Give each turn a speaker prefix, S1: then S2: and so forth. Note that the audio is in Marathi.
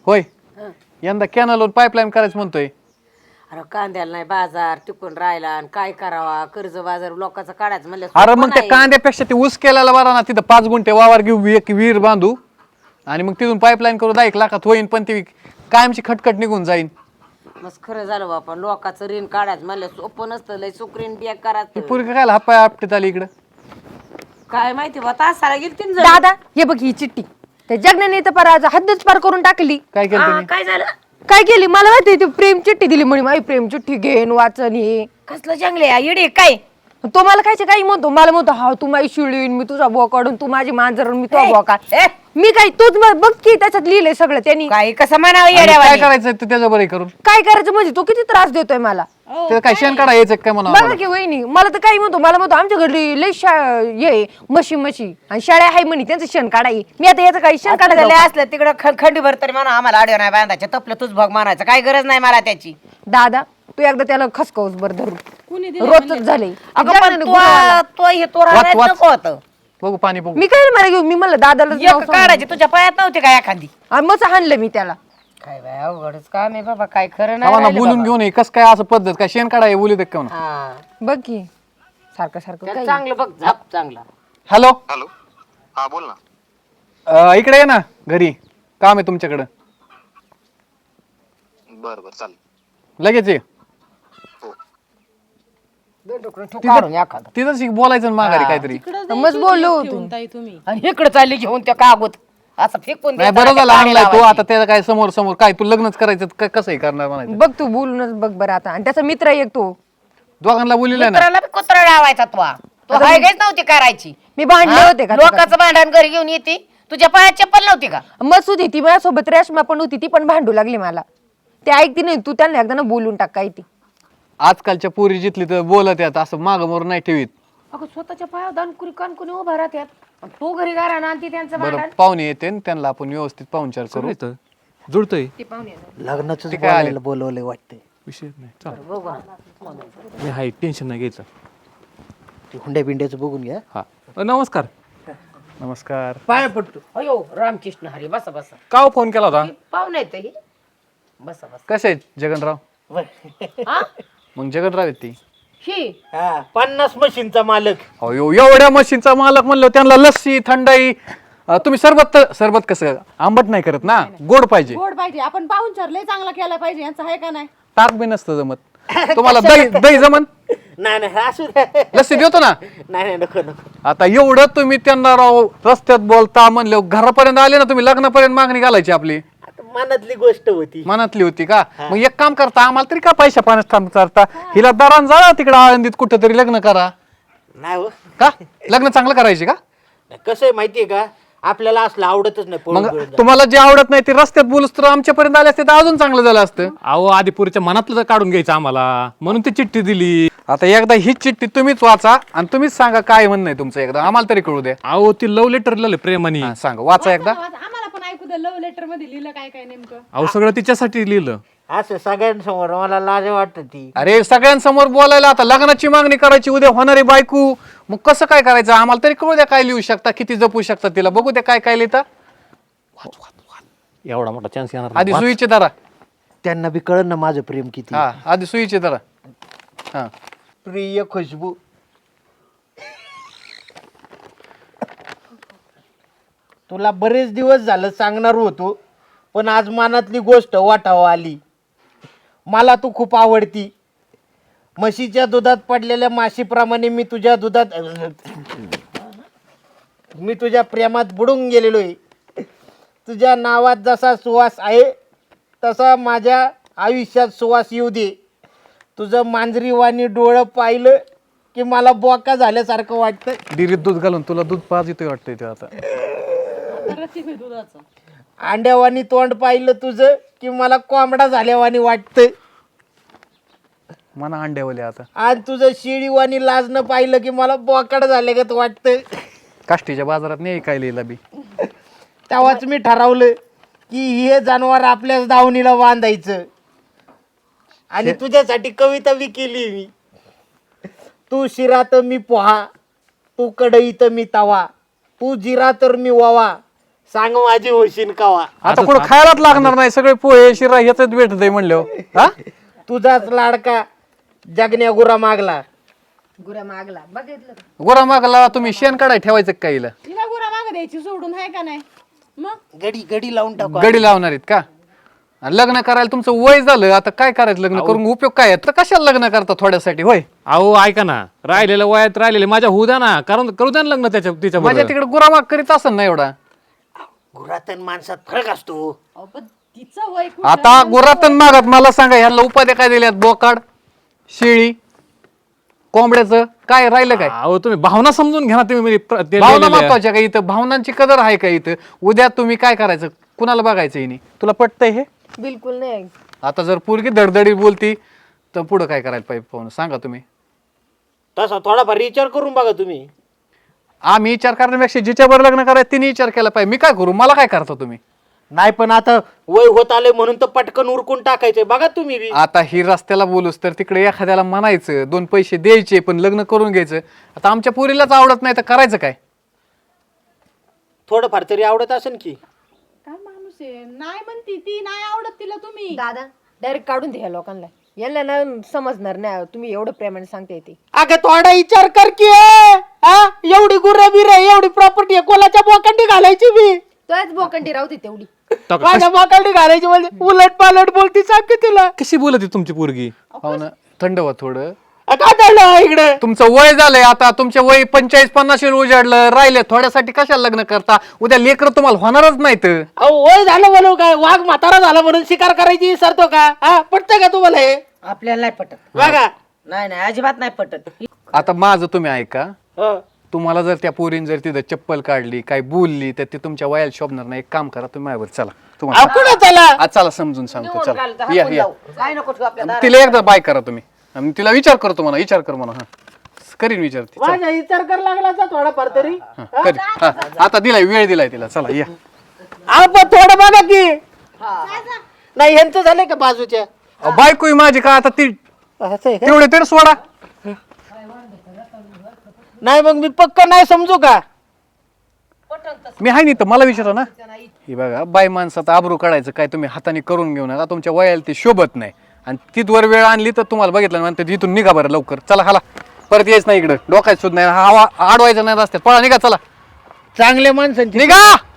S1: होय
S2: हं.
S1: यंदा कॅनलवर पाईपलाईन करायचं म्हणतोय.
S2: अरे कांद्याला नाही बाजार टिकून राहिला आणि काय करावा कर्ज बाजार लोकांचा काढायचं म्हणलं
S1: अरे
S2: सोपं
S1: मग त्या
S2: नाही.
S1: कांद्यापेक्षा ते ऊस केल्याला बरा ना, तिथं 5 गुंठे वावर घेऊ, एक विहीर बांधू आणि मग तिथून पाईपलाईन करू 10 लाखात होईन, पण ती कायमची खटखट निघून जाईन.
S2: मस्त खरं झालं बापा लोकांचं ऋण काढायचं म्हणलं सोपं नसतं लय सुकरीन बिया
S1: ही
S2: करायचं.
S1: पोरगी काय हापाय आपटीत आली इकडं.
S2: काय माहिती बा तासाला गेली तीन
S3: दादा हे बघ ही चिठ्ठी त्या जगण्याने तर पार आज हद्दच पार करून टाकली.
S1: काय केलं तुम्ही?
S2: काय झालं
S3: काय केली मला माहिती ती प्रेम चिठ्ठी दिली म्हणे माझी प्रेम चिठ्ठी घेन वाचन हे
S2: कसलं जंगले येडे काय
S3: तो मला खायचे काही म्हणतो मला म्हणतो हा तू माझी शिळीन मी तुझा बुवा काढून तू माझी मांजर मी तुझा बुवा काढ
S2: ए,
S3: मी काय तूच बघ की त्याच्यात लिहिलंय सगळं त्यांनी
S2: काय कसं म्हणावं
S1: आणि काय
S2: येड्यावानी
S1: करायचं ते त्याच्या बरं करून?
S3: काय करायचं म्हणजे तो किती त्रास देतोय मला.
S1: ते काय शेण काढा यायचं काय म्हणा
S3: बघा की वहिनी मला तर काही म्हणतो मला म्हणतो आमच्या घरी लय ये म्हशी आणि शाळा आहे म्हणे त्यांचं शेण काढाई मी आता याचं काही शेण
S2: झाले
S3: काढायला
S2: असलं तिकडं खंडीभर तरी म्हणा आम्हाला आडव नाही बांधायचं तपलं तूच भग मानायचं काय गरज नाही मला त्याची.
S3: दादा तू एकदा त्याला खसकावूस बर धरून रोजच झाले
S2: अगं पण तो हे तो राहण्यात
S1: वाच.
S2: नको होतं
S1: बघू पाणी बघू.
S3: मी काय मला घेऊ मी म्हणलं दादाला नाव
S2: एक काढायची तुझ्या पायात नव्हती का एखादी.
S3: सांग. मग हाणलं मी त्याला
S2: काय बाय अवघडच काम आहे बाबा काय खरं नाही
S1: आम्हाला
S2: राहिलं
S1: बोलून
S2: बाबा.
S1: घेऊन ये कस काय असं पद्धत काय शेण काढा बोलू दे का म्हणा.
S2: हा.
S3: बघ की सारखं सारखं
S2: त्याला
S3: काय
S2: चांगलं बघ झाप चांगला.
S1: हॅलो
S4: हॅलो हा बोल ना.
S1: इकडे ये ना घरी, काम आहे तुमच्याकडं.
S4: बरं बरं चालेल.
S1: लगेच ये.
S2: काढून एखादं
S1: तिथं बोलायचं ना माघारी काहीतरी.
S3: मग बोललो होतो
S2: आणि इकडे चालली घेऊन त्या कागद असं फेकून
S1: नाही
S2: द्यायचा,
S1: बरं झालं
S2: पाणी
S1: आणलाय तो.
S2: लावायची.
S1: आता त्याला काय समोर समोर काय तू लग्नच करायचं कसंही करणार म्हणायचं.
S3: बघ तू बोलूनच बघ बरं आता आणि त्याचा मित्र एक तो
S1: दोघांना बोलिले ना.
S2: मित्राला बी कुत्रा लावायचा तो हाय गायच नव्हती करायची.
S3: मी भांडले
S2: हा?
S3: होते का
S2: लोकांचं भांडण घरी घेऊन येते तुझ्या पायात चप्पल नव्हती का.
S3: मसूद ती माझ्यासोबत रेशमा पण होती ती पण भांडू लागली मला. ते ऐकती नाही तू त्यांना एकदा ना बोलून टाक काय ती.
S1: आजकालच्या पोरी जिथली तर बोलत यात असं माग मोर नाही ठेवीत.
S2: अगं स्वतःच्या पायावर दानकुरी कानकुनी उभा राहत्यात तो घरी गारा ना आणि ती त्यांचं
S1: बरं
S2: भांडण.
S1: पाहुणे येते न त्यांना आपण व्यवस्थित पाहुणचार करू.
S5: जुळतंय
S6: लग्नाचं
S1: ते काय आले?
S6: बोलायला बोलवलंय वाटतंय.
S5: विषय नाही चाल
S2: बघू ना.
S5: मी हाय टेन्शन नाही घ्यायचं.
S6: ते हुंड्या बिंड्याचं बघून घ्या.
S5: हा नमस्कार.
S1: नमस्कार.
S6: पाया पडतो.
S2: अयो रामकृष्ण हरी बसा बसा.
S1: का फोन केला होता?
S2: पाहुणे आहेत ही बसा बसा.
S1: कसे आहेत जगनराव?
S2: हा?
S1: मग जगनराव आहेत ती.
S2: ही
S6: हा 50 मशीनचा मालक.
S1: अयो एवढ्या मशीनचा मालक म्हणलं त्यांना लस्सी थंडाई. तुम्ही सरबत कसं आंबट नाही करत ना, गोड पाहिजे.
S7: गोड पाहिजे आपण पाहुणचार लय चांगला केला पाहिजे यांचा आहे का नाही.
S1: ताक बी नसतं जमत. तुम्हाला दही जमन?
S6: नाही नाही असू द्या.
S1: लस्सी देतो ना.
S6: नाही नाही नको नको.
S1: आता एवढं तुम्ही त्यांना राव रस्त्यात बोलता म्हणलं घरापर्यंत आले ना तुम्ही, लग्नापर्यंत मागणी घालायची आपली.
S6: आता मनातली गोष्ट होती.
S1: मनातली होती का? मग एक काम करता आम्हाला तरी का पैशा पाण्यात काम करता, हिला दरान जा तिकडे आळंदीत कुठं तरी लग्न करा.
S6: नाही हो.
S1: का लग्न चांगलं करायचे का?
S6: कसं आहे माहितीये का आपल्याला असलं आवडतच नाही पळून
S1: मग
S6: पळून जाणं.
S1: तुम्हाला जे आवडत नाही ते रस्त्यात बोलूस तर आमच्यापर्यंत आले असते तर अजून चांगलं झालं असतं.
S5: अहो आदिपुरीच्या मनातलं तर काढून घ्यायचं आम्हाला, म्हणून ती चिठ्ठी दिली.
S1: आता एकदा ही चिठ्ठी तुम्हीच वाचा आणि तुम्हीच सांगा काय म्हणणं आहे तुमचं, एकदा आम्हाला तरी कळू द्या.
S5: अहो ती लव्ह लेटर लिहिलं प्रेमाने.
S1: हा, सांगा वाचा एकदा.
S7: आम्हाला पण ऐकू दे लव्ह लेटर मध्ये लिहिलं काय काय नेमकं.
S5: अहो सगळं तिच्यासाठी लिहिलं.
S6: असं सगळ्यांसमोर मला लाज वाटत ती.
S1: अरे सगळ्यांसमोर बोलायला, आता लग्नाची मागणी करायची उद्या होणारी बायको, मग कसं काय करायचं आम्हाला तरी कळू द्या. काय लिहू शकता, किती जपू शकता तिला, बघू द्या काय काय लिहिता.
S5: एवढा मोठा चान्स येणार
S1: आधी
S5: नाही.
S1: सुईचे धरा.
S6: त्यांना बी कळन ना माझं प्रेम किती.
S1: हा आधी सुईचे धरा. हा
S6: प्रिय खुशबू. तुला बरेच दिवस झालं सांगणार होतो पण आज मनातली गोष्ट वाटावं आली. मला तू खूप आवडती. म्हशीच्या दुधात पडलेल्या माशीप्रमाणे मी तुझ्या प्रेमात बुडून गेलेलो आहे. तुझ्या नावात जसा सुवास आहे तसा माझ्या आयुष्यात सुवास येऊ दे. तुझं मांजरीवाणी डोळं पाहिलं की मला बोका झाल्यासारखं वाटतं.
S1: डिरीत दूध घालून तुला दूध पाज येतोय वाटतंय ते आता.
S6: अंड्यावानी तोंड पाहिलं तुझं की मला कोंबडा झाल्यावानी वाटतं.
S1: मना अंड्यावले आता.
S6: आणि तुझं शिळीवानी लाजणं पाहिलं की मला बोकाड झाल्यागत वाटतं.
S1: काष्टीच्या बाजारात नाही काय लिहिला बी.
S6: तेव्हाच मी ठरवलं की हे जनावर आपल्याच दावणीला बांधायचं. आणि तुझ्यासाठी कविता बी केली मी. तू शिरा तर मी पोहा, तू कढई तर मी तवा, तू जिरा तर मी ववा, सांग माझी होशील कावा.
S1: आता पुढे खायलाच लागणार नाही, सगळे पोहे शिरा ह्याच भेटत आहे म्हणल्यावर हा.
S6: तुझाच लाडका जगण्या गुरा मागला.
S3: गुरा मागला बघितलं का?
S1: गोरा मागला तुम्ही शेण काढाय ठेवायचं का हिला?
S7: तिला गुरा माग द्यायची सोडून आहे का नाही मग?
S6: गडी लावून टाकू.
S1: गडी लावणार आहेत का? आणि लग्न करायला तुमचं वय झालं, आता काय करायचं लग्न करून उपयोग काय आहे? तर कशाला लग्न करता थोड्यासाठी होय?
S5: अहो ऐका ना, राहिलेलं वयात राहिलेले माझ्या होऊ द्या ना, करू द्या ना लग्न तिच्या
S1: माझ्या तिकडे गुरामाग करीत असेल ना एवढा.
S6: गुरातन माणसात फरक असतो.
S7: अहो, पण तिचं वय खूप
S1: आता गुरातन मागत मला सांगा, ह्याला उपाध्या काय दिल्यात? बोकाड, शेळी, कोंबड्याचं काय राहिलं काय?
S5: अहो तुम्ही भावना समजून घ्या ना तुम्ही म्हणजे ते
S1: भावना
S5: लिहिलेलं आहे.
S1: महत्वाच्या का इथं? भावनांची कदर आहे का इथं? उद्या तुम्ही काय करायचं? कुणाला बघायचं हिने? तुला पटतंय हे?
S3: बिलकुल नाही.
S1: आता जर पोरगी धडधडी बोलती तर पुढं काय करायला पाहिजे पाहून सांगा तुम्ही.
S6: तसा थोडाफार विचार करून बघा तुम्ही.
S1: आम्ही विचार करण्यापेक्षा जिच्यावर लग्न करायचं तिने विचार केला पाहिजे. मी काय करू? मला काय करता तुम्ही?
S6: नाही पण आता वय होत आले म्हणून तर पटकन उरकून टाकायचंय. बघा तुम्ही बी.
S1: आता ही रस्त्याला बोलूस तर तिकडे एखाद्याला म्हणायचं, 2 पैसे द्यायचे पण लग्न करून घ्यायचं. आता आमच्या पोरीलाच आवडत नाही तर करायचं काय?
S6: थोडंफार तरी आवडत असेल की.
S7: काय माणूस आहे, नाही म्हणती ती, नाही आवडत तिला तुम्ही.
S3: दादा डायरेक्ट काढून द्या लोकांना, यांना ना समजणार नाही तुम्ही एवढं प्रेमाने सांगते ते.
S6: अगं थोडा विचार कर की. हा एवढी गुरे बिरे एवढी प्रॉपर्टी आहे, कोणाच्या बोकांडी घालायची मी?
S3: तोच बोकंडी राहते तेवढी.
S6: माझ्या बोकांडी घालायची म्हणजे उलट पालट बोलती सांग की तिला.
S5: कशी बोलत तुमची पोरगी?
S1: हो ना, थंड व्हा थोडं.
S6: काय झालं इकडे?
S1: तुमचं वय झालंय आता, तुमचं वय 45-50 उजाडलं, राहिले थोड्यासाठी कशाला लग्न करता? उद्या लेकर तुम्हाला होणारच नाहीत.
S6: अहो वय झालं म्हणून काय वाघ म्हातारा झाला म्हणून शिकार करायची विसरतो का? हा पटतं का तुम्हाला हे?
S2: आपल्याला नाही पटत.
S6: बघा.
S2: नाही नाही अजिबात नाही पटत.
S1: आता माझं तुम्ही ऐका,
S6: हं.
S1: तुम्हाला जर त्या पोरीन जर तिथं चप्पल काढली काय बोलली तर ते तुमच्या वयाला शोभणार नाही. एक काम करा, तुम्ही माझ्यावर चला.
S6: अहो,
S1: तुम्हाला
S6: कुठं चला?
S1: आज चला समजून सांगतो. चला या या.
S2: काय नको ठेवू आपल्या दारात.
S1: तिला एकदा बाय करा तुम्ही. आणि तिला विचार करतो म्हणा, विचार कर म्हणा. हा करीन विचार ती. चला.
S6: माझा विचार कर लागला तर थोडाफार तरी.
S1: हा, करीन. हा, आता दिलाय, वेळ दिलाय तिला. चला या.
S6: अहो, पण थोडं बघा की. नाही यांचं झालंय का बाजूच्या?
S1: बायको आहे माझी का आता ती?
S6: असं आहे का?
S1: तेवढे तरी सोडा.
S6: नाही मग मी पक्क नाही समजू का?
S1: मी आहे नाही तर मला विचारा ना. हे बघा, बाय माणसात आबरू काढायचं काय तुम्ही हाताने करून घेऊ नका. तुमच्या वयाला ती शोभत नाही. आणि तिथवर वेळ आणली तर तुम्हाला बघितलं म्हणते इथून निघा बरं लवकर. चला हाला, परत यायच नाही इकडं. डोकायचं सुद्धा नाही, हवा अडवायचं नाही रस्त्यात. पळा निघा, चला
S6: चांगल्या माणसांची
S1: निघा.